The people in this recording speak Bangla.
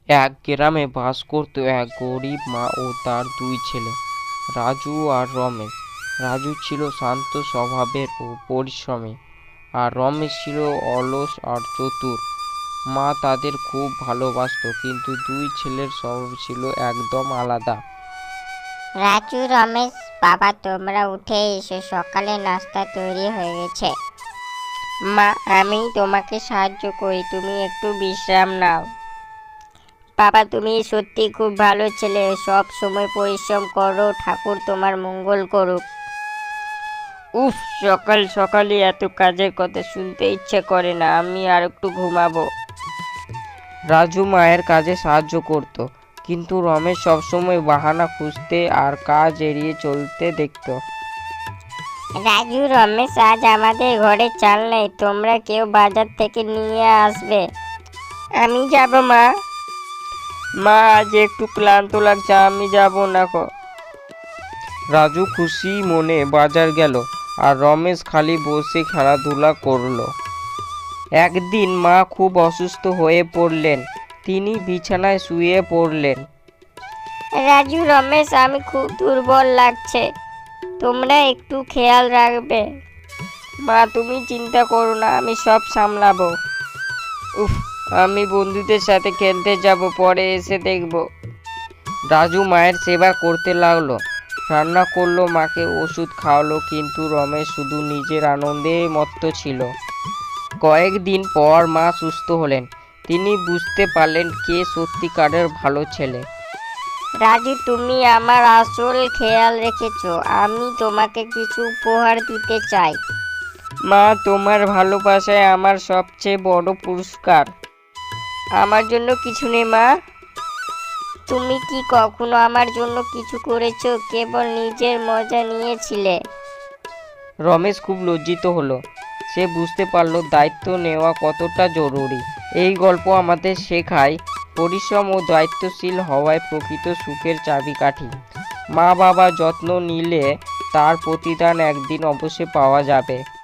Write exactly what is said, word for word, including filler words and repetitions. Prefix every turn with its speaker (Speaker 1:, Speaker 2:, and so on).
Speaker 1: এক গ্রামে বাস করত এক গরিব মা ও তার দুই ছেলে, রাজু আর রমেশ। রাজু ছিল শান্ত স্বভাবের ও পরিশ্রমী, আর রমেশ ছিল অলস আর চতুর। মা তাদের খুব ভালোবাসতো, কিন্তু দুই ছেলের স্বভাব ছিল একদম আলাদা।
Speaker 2: রাজু, রমেশ, বাবা তোমরা উঠে এসো, সকালে নাস্তা তৈরি হয়ে গেছে। মা, আমি তোমাকে সাহায্য করি, তুমি একটু বিশ্রাম নাও। বাবা, তুমি সত্যি খুব ভালো ছেলে, সব সময় পরিশ্রম করো, ঠাকুর তোমার মঙ্গল করুক। উফ, সকাল সকালে এত কাজের কথা শুনতে ইচ্ছে করে না, আমি আর একটু ঘুমাবো।
Speaker 1: রাজু মায়ের কাজে সাহায্য করত, কিন্তু রমেশ সবসময় বাহানা খুঁজতে আর কাজ এড়িয়ে চলতে দেখত।
Speaker 2: রাজু, রমেশ, আজ আমাদের ঘরে চাল নেই, তোমরা কেউ বাজার থেকে নিয়ে আসবে। আমি যাব মা। মা, আজ একটু ক্লান্ত লাগছে, আমি যাব না গো।
Speaker 1: রাজু খুশি মনে বাজার গেল, আর রমেশ খালি বসে খেলাধুলা করল। একদিন মা খুব অসুস্থ হয়ে পড়লেন, তিনি বিছানায় শুয়ে পড়লেন।
Speaker 2: রাজু, রমেশ, আমি খুব দুর্বল লাগছে, তোমরা একটু খেয়াল রাখবে। মা, তুমি চিন্তা করো না, আমি সব সামলাবো। উফ, আমি বন্ধুদের সাথে খেলতে যাব, পরে এসে দেখব।
Speaker 1: রাজু মায়ের সেবা করতে লাগলো, রান্না করলো, মাকে ওষুধ খাওয়ালো, কিন্তু রমেশ শুধু নিজের আনন্দে মত্ত ছিল। কয়েকদিন পর মা সুস্থ হলেন, তিনি বুঝতে পারলেন কে সত্যিকারের ভালো ছেলে।
Speaker 2: রাজু, তুমি আমার আসল খেয়াল রেখেছো, আমি তোমাকে কিছু উপহার দিতে চাই।
Speaker 1: মা, তোমার ভালোবাসায় আমার সবচেয়ে বড় পুরস্কার।
Speaker 2: আমার জন্য কিছু নেই মা। তুমি কি কখনো আমার জন্য কিছু করেছো? কেবল নিজের মজা নিয়েছিলে।
Speaker 1: রমেশ খুব লজ্জিত হলো, সে বুঝতে পারলো দায়িত্ব নেওয়া কতটা জরুরি। এই গল্প আমাদের শেখায় পরিশ্রম ও দায়িত্বশীল হওয়ায় প্রকৃত সুখের চাবিকাঠি। মা বাবা যত্ন নিলে তার প্রতিদান একদিন অবশ্যই পাওয়া যাবে।